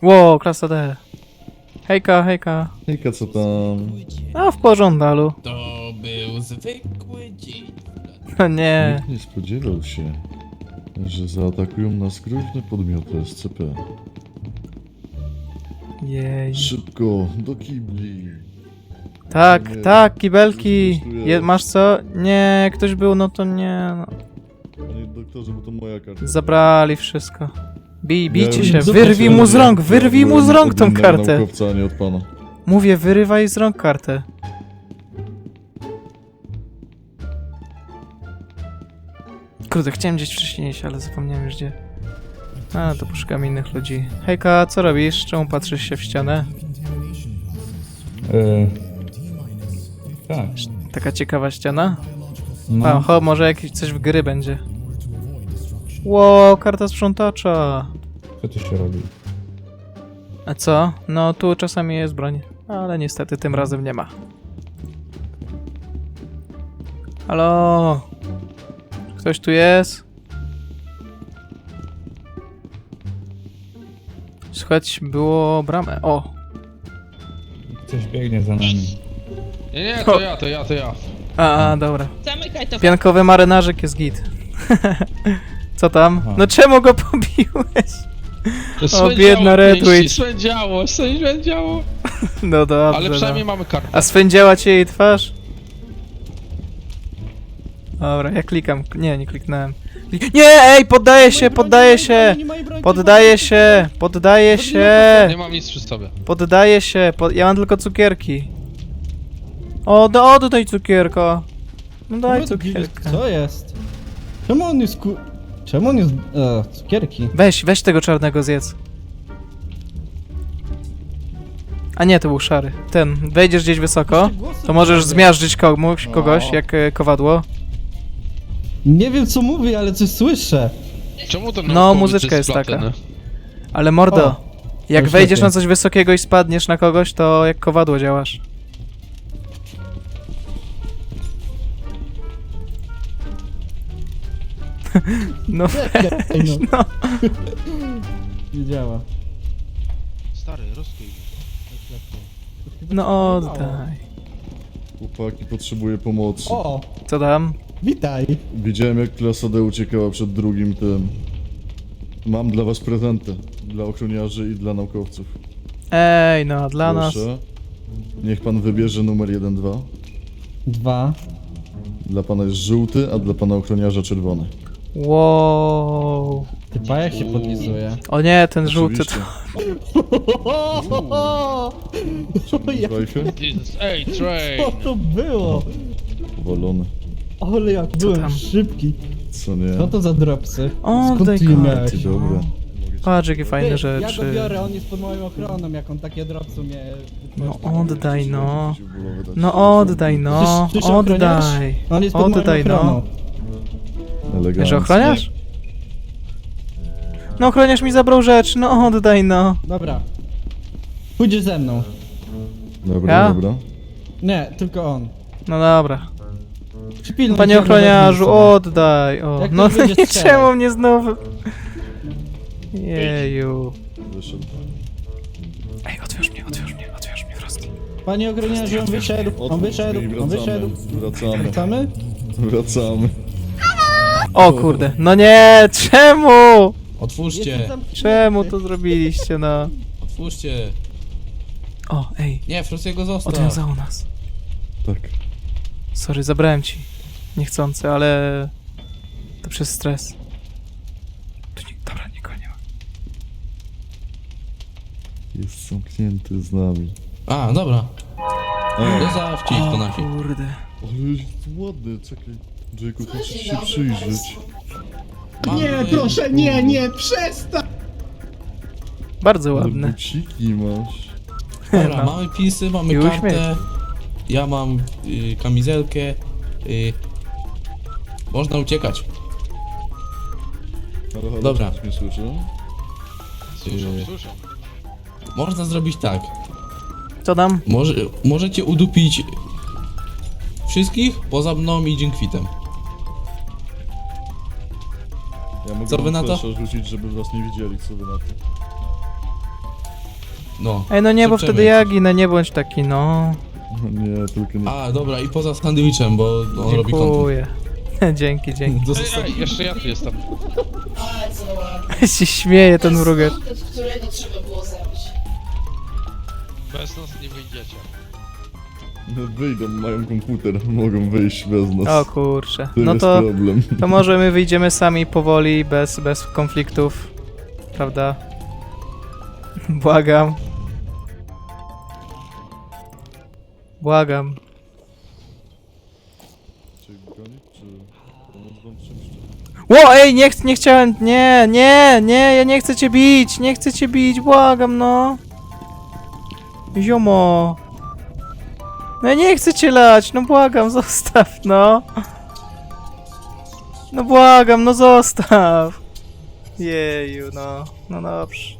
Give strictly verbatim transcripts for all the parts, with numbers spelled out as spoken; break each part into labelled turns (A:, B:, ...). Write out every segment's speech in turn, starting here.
A: Ło, klasa D. Hejka, hejka.
B: Hejka, co tam?
A: A w porządku.
C: To był zwykły dzień.
A: No nie.
B: Nikt nie spodziewał się, że zaatakują nas groźne podmioty S C P.
A: Jej.
B: Szybko, do kibli.
A: Tak,
B: Nie,
A: tak, kibelki.
B: coś tu jest.
A: Je, masz co? Nie, jak ktoś był, no to nie. No.
B: Panie doktorze, bo to moja karta.
A: Zabrali wszystko. Bij, bijcie
B: Ja-
A: się, wyrwij mu z rąk, wyrwij mu z rąk tą
B: Od innego
A: kartę.
B: naukowca, a nie od pana.
A: Mówię, wyrywaj z rąk kartę. Kurde, chciałem gdzieś wcześniej iść, ale zapomniałem już gdzie. A, to poszukam innych ludzi. Hejka, co robisz? Czemu patrzysz się w ścianę?
D: Yy, tak.
A: Taka ciekawa ściana?
D: No.
A: A, ho, może jakieś coś w gry będzie. Ło, karta sprzątacza.
D: Co tu się robi?
A: A co? No, tu czasami jest broń, ale niestety tym razem nie ma. Halo? Ktoś tu jest? Słuchać było bramę. O!
D: Coś biegnie za nami.
C: Nie, nie, to ja, to ja, to ja.
A: A, a dobra.
E: Zamykaj to.
A: Piankowy marynarzyk jest git. Co tam?
D: Aha.
A: No czemu go pobiłeś?
C: To
A: O,
C: swędziało
A: biedna
C: pięści,
A: Redwitch.
C: Swędziało, swędziało.
A: No dobrze.
C: Ale przynajmniej
A: no.
C: mamy kartę.
A: A swędziała cię jej twarz? Dobra, ja klikam. Nie, nie kliknąłem. Klik... Nie, ej, poddaję się, poddaję się! Poddaję się, poddaję się!
C: Nie mam nic przy sobie.
A: Poddaję się, pod... ja mam tylko cukierki. O, da, oddaj cukierka. No daj cukierka.
F: Co jest? Czemu on jest ku... Czemu on jest... E, cukierki?
A: Weź, weź tego czarnego zjedz. A nie, to był szary. Ten, wejdziesz gdzieś wysoko, to możesz zmiażdżyć komuś, kogoś, jak e, kowadło.
F: Nie wiem co mówi, ale coś słyszę.
C: Czemu to
A: No,
C: naukowiec
A: muzyczka jest
C: z platyny?
A: taka. Ale mordo,
F: O,
A: jak
F: już
A: wejdziesz
F: lepiej.
A: na coś wysokiego i spadniesz na kogoś, to jak kowadło działasz. No
F: Ej,
A: weź,
F: no.
A: no.
F: Nie działa.
C: Stary, rozkuj.
A: No oddaj.
B: Chłopaki, potrzebuję pomocy.
F: O,
A: Co tam?
F: witaj.
B: Widziałem, jak klasa D uciekała przed drugim tym. Mam dla was prezenty. Dla ochroniarzy i dla naukowców.
A: Ej, no, dla nas.
B: Proszę. Niech pan wybierze numer jeden dwa.
F: Dwa.
B: Dla pana jest żółty, a dla pana ochroniarza czerwony.
A: Wow.
F: Typa jak się podlizuje.
A: O nie, ten żółty
B: Oczywiście.
F: O, jak
B: Wajchę?
C: Jesus, ej,
F: co
C: train!
F: to było?
B: Powalony.
F: Ale jak byłem
A: tam?
F: szybki.
B: Co nie?
F: Co to za dropsy?
A: O,
F: Skąd
A: daj
F: ty je
A: karty.
F: miałeś?
B: Ty dobre.
A: Patrz, jakie fajne
F: Ty,
A: rzeczy.
F: Ja go biorę, on jest pod moją ochroną, jak on takie dropsy mnie...
A: No oddaj, no.
B: Przeciwbólowe dać.
A: No oddaj, no.
F: Ty- ty się ochroniasz?
A: Oddaj.
F: On jest pod
A: Oddaj,
F: moją
A: no.
F: ochroną.
B: Elegancko.
A: Że ochroniasz? No ochroniarz mi zabrał rzecz, no oddaj, no.
F: Dobra. Pójdziesz ze mną.
B: Dobra,
A: Ja?
B: dobra.
F: Nie, tylko on.
A: No dobra.
F: Przypilnuj
A: Panie
F: się,
A: ochroniarzu,
F: żeby-
A: oddaj. O.
F: Jak
A: No
F: ktoś będzie
A: nie,
F: strzelał.
A: czemu mnie znowu... Jeju.
B: Wyszedł.
A: Ej, otwórz mnie, otwórz mnie, otwórz mnie, Frosty.
F: Panie ochroniarzu, on wyszedł, on
B: Otwórz
F: wyszedł,
B: drzwi,
F: on
B: wracamy.
F: wyszedł.
B: Wracamy.
F: Wracamy?
B: Wracamy.
A: O kurde, no nie, czemu?
C: Otwórzcie,
F: Jestem zamknięty.
A: Czemu to zrobiliście, no?
C: otwórzcie.
A: O, ej,
C: Nie, Frostiego zostaw.
A: odwiązało nas.
B: Tak.
A: Sorry, zabrałem ci. Niechcący, ale... To przez stres. Tu nie... Dobra, nikogo nie ma.
B: Jest zamknięty z nami.
C: A, dobra.
B: A,
C: Zostawcie ich to
A: O
C: nasi.
A: kurde.
B: ale jest ładny, czekaj. Jacob, musisz się przyjrzeć.
C: Mamy-
G: Nie, proszę, nie, nie, przestań!
A: Bardzo
B: Ale
A: ładne.
B: buciki masz.
C: Dobra,
A: No.
C: mamy pisy, mamy
A: I
C: kartę.
A: uśmiech.
C: Ja mam y, kamizelkę. Y, można uciekać.
B: Halo, halo,
C: Dobra.
B: ktoś mnie słyszy?
C: Y, można zrobić tak.
A: Co tam?
C: Może, możecie udupić wszystkich poza mną i Dziękwitem.
B: Ja mogę
C: Co wy
B: wam
C: na to?
B: flasha rzucić, żeby was nie widzieli, co wy na to.
C: No.
A: Ej, no nie, bo
C: Szepczemy.
A: wtedy ja ginę, nie bądź taki, no.
B: Nie, tylko nie.
C: A, dobra, i poza sandwichem, bo on robi content.
A: Dziękuję. dzięki, dzięki.
C: Zostaw...
E: Ej, jeszcze ja tu jestem.
A: się śmieje ten mrugacz.
H: którego trzeba było zabić.
E: Bez nas nie wyjdziecie.
B: No wyjdą, mają komputer, mogą wyjść bez nas.
A: O kurczę.
B: To
A: No
B: jest
A: to,
B: problem.
A: to może my wyjdziemy sami powoli, bez, bez konfliktów. Prawda? Błagam. Błagam.
B: Czy gonić, czy pomóc wam czymś?
A: Ło, ej, nie, ch nie chciałem, nie, nie, nie, ja nie chcę cię bić, nie chcę cię bić, błagam, no. Ziomo. No ja nie chcę cię lać, no błagam, zostaw, no. No błagam, no zostaw. Jeju, no, no dobrze.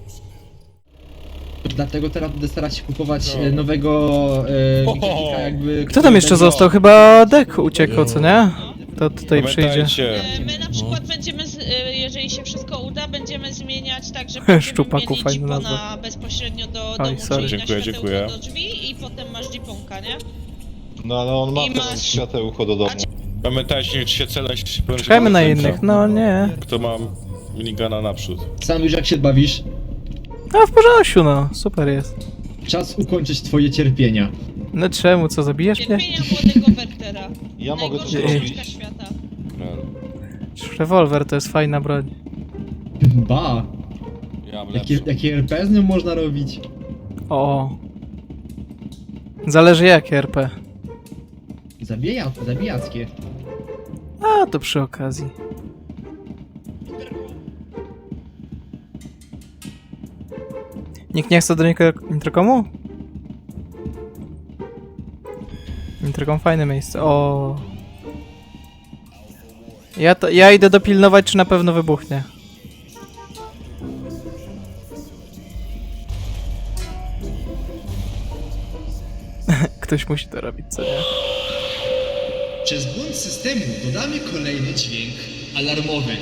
I: Dlatego teraz będę starać się kupować e, nowego e, wikipika jakby...
A: Kto tam jeszcze został? Chyba Dek uciekł, co nie? To tutaj przyjdzie.
J: E, My na przykład będziemy, z, e, jeżeli się wszystko uda, będziemy zmieniać tak, że będziemy
A: Szczupaku,
J: mieli
A: fajna
J: jeepona
A: nazwa.
J: bezpośrednio do
A: Oj,
J: domu,
A: sorry.
J: czyli
E: Dziękuję,
J: na światełko
E: dziękuję.
J: do drzwi i potem masz jeeponka, nie?
E: No ale on ma
J: I
E: teraz
J: masz-
E: światełko do domu. Pamiętajcie, czy się celać...
A: Czekajmy na innych, no nie.
E: Kto ma minigana naprzód.
I: Sam już jak się bawisz,
A: No w porządku, no, super jest.
I: czas ukończyć twoje cierpienia.
A: No czemu, co, zabijesz mnie?
J: Cierpienia młodego Wertera.
E: Ja mogę to
J: Najgorsza
E: zrobić.
J: książka świata.
A: Rewolwer to jest fajna broń.
I: Ba,
E: Ja mam
I: jakie,
E: lepszy.
I: jakie R P z nią można robić?
A: O. Zależy jakie R P.
I: Zabija, zabijackie.
A: A, to przy okazji. Nikt nie chce do niko- Interkomu? Interkom fajne miejsce. O. Ja, to, ja idę dopilnować, czy na pewno wybuchnie. Ktoś musi to robić, co nie?
G: Przez błąd systemu dodamy kolejny dźwięk alarmowy.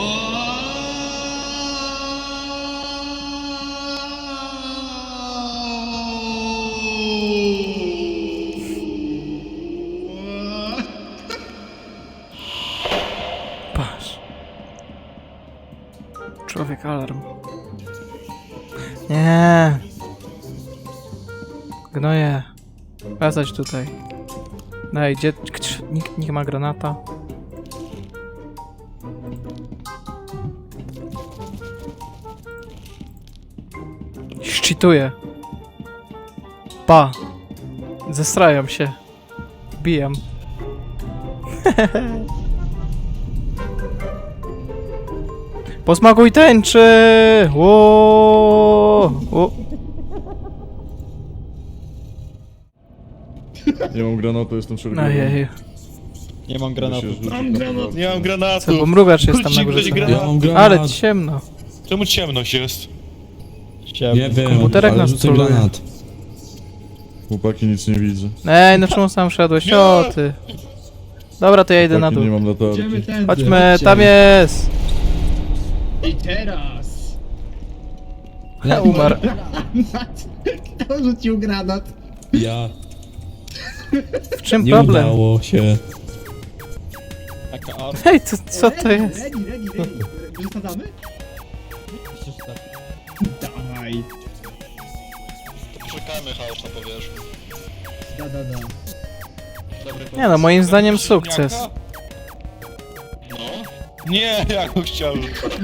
A: Patrz. Człowiek alarm. Nie. Gnoje. Wracać tutaj. Daj, gdzie... kcz- Nikt nie ma granata. Szczytuję. Pa. Zestrają się. Bijam. Posmakuj tęczy! Ło! O.
B: Nie mam granatu, jestem szeroki.
A: Ojej.
F: Nie mam granatu.
G: Mam granat.
E: Nie mam granatu.
A: Co, bo mrugacz jest tam na górze.
E: Ktoś
C: Ja
E: granat.
C: mam granat.
A: Ale ciemno.
E: Czemu ciemność jest?
C: Nie wiem,
A: Komputerek
C: ale
A: nas
C: rzucę
A: troluje.
C: granat.
B: Chłopaki, nic nie widzę.
A: Ej, no czemu sam szedłeś? O ty. Dobra, to ja idę na
B: Chłopaki,
A: dół.
B: nie mam latarki.
I: Idziemy tędy.
A: Chodźmy,
I: chodźcie.
A: tam jest!
G: I teraz...
A: Umarł.
G: Kto rzucił granat?
C: Ja.
A: W czym
C: Nie
A: problem?
C: udało się.
A: Ej, to, co to jest?
I: Ready, ready, ready. Wysadzamy?
G: Dawaj.
E: Czekajmy chaos na powierzchni.
I: Da, da, da.
A: Nie no, moim zdaniem sukces.
E: No. Nie, ja go chciałem.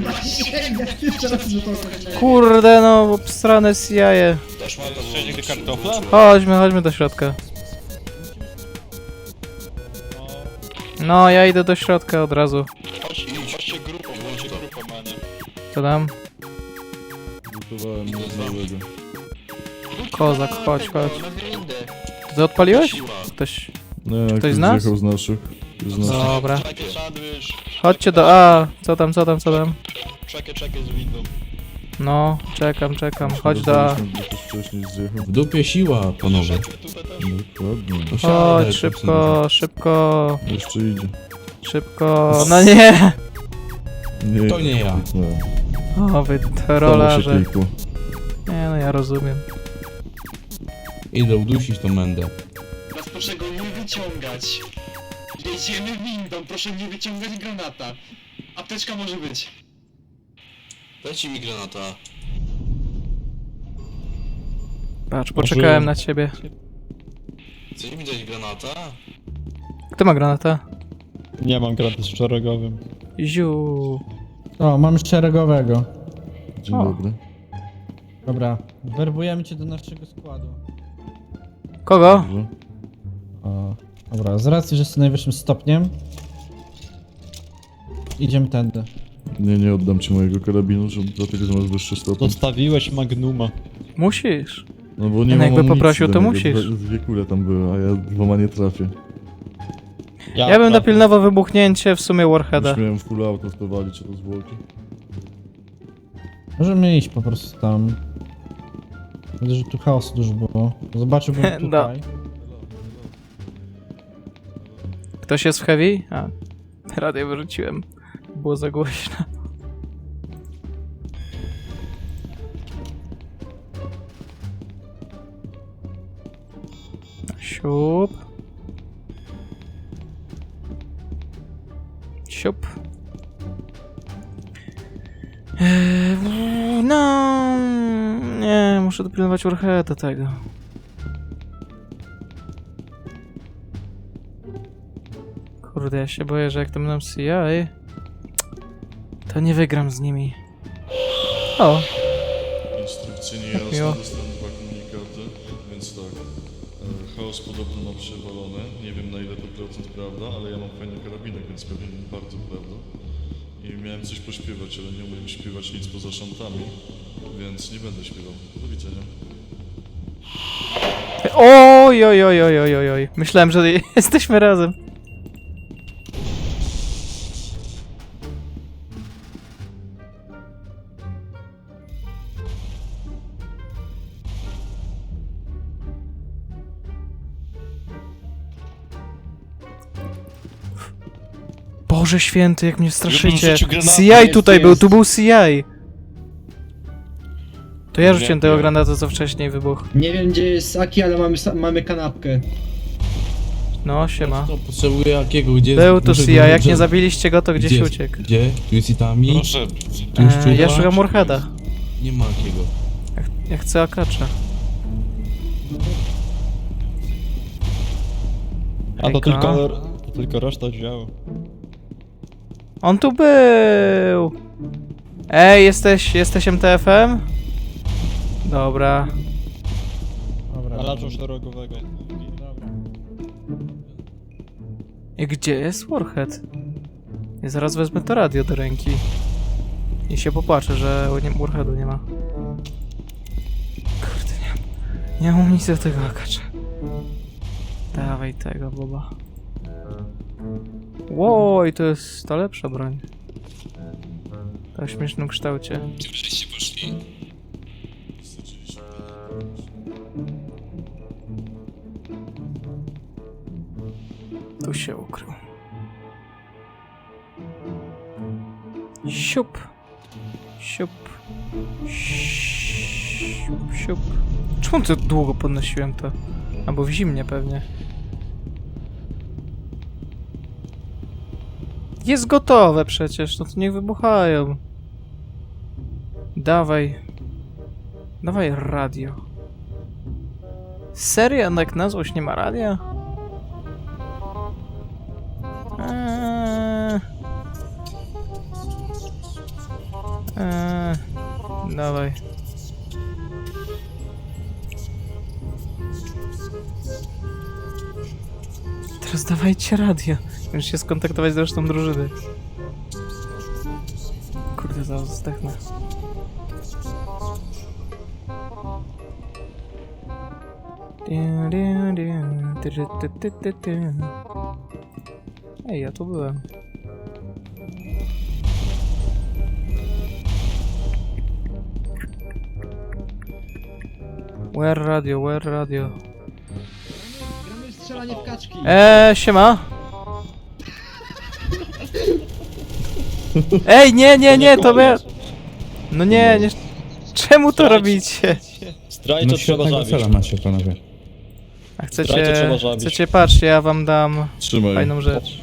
A: Kurde no, obstrane z jaje.
E: Też ma to sześć nigdy kartofla?
A: Chodźmy, chodźmy do środka. No, ja idę do środka od razu.
E: Chodź, chodźcie grupą, chodźcie grupą, manie.
A: Co tam?
B: Gotowałem nowego.
A: Kozak, chodź, chodź. Ty odpaliłeś? Ktoś...
B: Nie, ktoś
A: z nas?
B: zjechał z naszych. Z naszych.
A: Dobra.
E: Czekaj, sandwich.
A: Chodźcie do A. Co tam, co tam, co tam?
E: Czekaj, czekaj z windą.
A: No, czekam, czekam. Chodź do A.
B: Rozmawialiśmy, bo ktoś wcześniej zjechał.
C: W dupie siła, panowie.
E: Tutaj też.
B: Dokładnie.
C: No siadaj,
A: Chodź, szybko, szybko,
B: Jeszcze idzie.
A: szybko. No nie!
B: Nie,
C: To nie ja.
B: Nie.
A: O, wy
B: Stało się
A: trollarze.
B: kilku.
A: Nie, Nie no, ja rozumiem.
C: Idę udusić tą mędę.
E: Teraz proszę go nie wyciągać. Jedziemy windą, proszę nie wyciągać granata. Apteczka może być. Dajcie mi granata.
A: Patrz, poczekałem na ciebie.
E: Chcecie mi dać granata?
A: Kto ma granata?
F: Nie mam granatu z szeregowym.
A: Ziu.
F: O, mam szeregowego.
B: Dzień
A: O.
B: dobry.
F: Dobra, werbujemy cię do naszego składu.
A: Kogo?
B: Dobrze.
F: O, dobra, z racji, że jesteś najwyższym stopniem, idziemy tędy.
B: Nie, nie oddam ci mojego karabinu, że dlatego, że masz wyższy stopień.
F: Zostawiłeś Magnuma.
A: Musisz.
B: No bo nie
A: No
B: mam
A: jakby
B: amunicji
A: poprosił,
B: do
A: to
B: niego.
A: musisz.
B: Dwa, dwie kule tam były, a ja dwoma nie trafię.
A: Ja bym dopilnował wybuchnięcie w sumie Warheada.
B: Już miałem full auto w to walić, a to zwłoki.
F: Możemy iść po prostu tam. Widzę, że tu chaosu dużo było. Zobaczyłbym
A: No.
F: tutaj.
A: Ktoś jest w heavy? A. Radio wyrzuciłem. Było za głośno. Siup. Siup. Eee, w- no, nie, muszę dopilnować Warheada tego. Kurde, ja się boję, że jak to będą C I, to nie wygram z nimi. O,
B: Instrukcje
A: miło.
B: niejasne, dostałem dwa komunikaty, więc tak. E, Chaos podobno ma przewalone, nie wiem na ile to procent prawda, ale ja mam fajny karabinek, więc pewnie bardzo prawda. I miałem coś pośpiewać, ale nie umiem śpiewać nic poza szantami, więc nie będę śpiewał. Do widzenia.
A: oj, oj, oj, oj, oj, oj, oj. Myślałem, że jesteśmy razem. Boże święty, jak mnie straszycie. C I tutaj był, tu był C I. To ja rzuciłem tego granata, co wcześniej wybuchł.
I: Nie wiem gdzie jest Aki, ale mamy, sa- mamy kanapkę.
A: No, siema.
C: To potrzebuję jakiego? Gdzie
A: Był tu
C: muszę
A: C I,
C: go-
A: jak
C: gdzie-
A: nie zabiliście go, to gdzieś
C: gdzie-
A: uciekł.
C: Gdzie? Tu jest Itami?
E: Proszę.
C: Tu już
A: Eee, ja
C: czuwa?
A: szukam Warheada.
C: Nie ma jakiego.
A: Ja, ch- ja chcę akacza.
F: A to
A: Hejka.
F: tylko, to tylko reszta działo.
A: On tu był! Ej, jesteś, jesteś M T F-em? Dobra.
F: Dobra. Alarzu szeregowego. Dobra.
A: I gdzie jest Warhead? Ja zaraz wezmę to radio do ręki. I się popłaczę, że nie, Warheadu nie ma. Kurde, nie mam. Nie mam nic do tego akacza. Dawaj tego, boba. Łoj, to jest ta lepsza broń. Ta w śmiesznym kształcie.
E: Gdzie byście poszli?
A: Tu się ukrył. Siup. Siup. Siup, siup. Czemu to długo podnosiłem to? Albo w zimnie pewnie. Jest gotowe przecież, no to niech wybuchają. Dawaj. Dawaj radio. Serio? Jak na złość nie ma radia? Eee. Eee. Dawaj. Teraz dawajcie radio. Muszę się skontaktować z resztą drużyny. Kurde, zaraz zdechnę. Ej, ja tu byłem. Where radio, where radio?
I: Gramy w strzelanie w kaczki.
A: Eee, siema. Ej, nie, nie, nie, to my... No nie, nie... Czemu to robicie?
D: No świetnego cela macie, panowie.
A: A chcecie, chcecie, patrzcie, ja wam dam
B: Trzymaj.
A: fajną rzecz.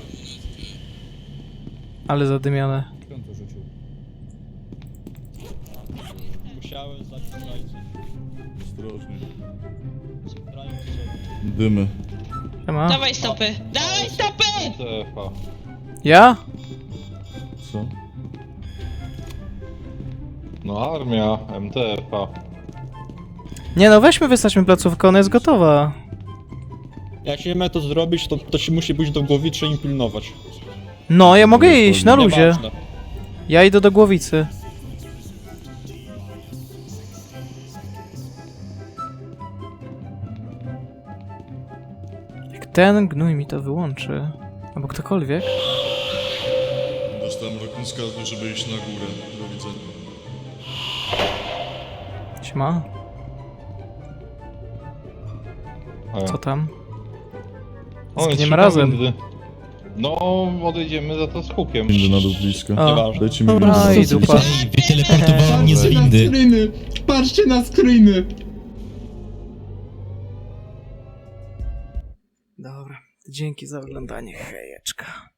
A: Ale zadymione.
F: Musiałem zabić zdrajcę.
B: Ostrożnie. Dymy.
A: Siema.
J: Dawaj stopy! Dawaj stopy!
A: Ja?
B: Co?
K: No armia, M T F A.
A: Nie no, weźmy, wystaćmy placówkę, ona jest gotowa.
F: Jak się ma to zrobić, to, to się musi być do głowicy i pilnować.
A: No, ja mogę iść, na luzie.
F: Nieważne.
A: Ja idę do głowicy. Jak ten gnój mi to wyłączy, albo ktokolwiek.
B: Dostałem rozkaz, żeby iść na górę. Do widzenia.
A: Siema. Co tam? Zgniemy razem.
K: No, odejdziemy za to z hukiem.
B: Windy na dół blisko.
A: A,
B: Dajcie mi
A: dobra,
B: windę.
A: i dupa.
G: Wyteleportowałem mnie z windy. Screeny. Patrzcie na screeny.
A: Dobra, dzięki za oglądanie, hejeczka.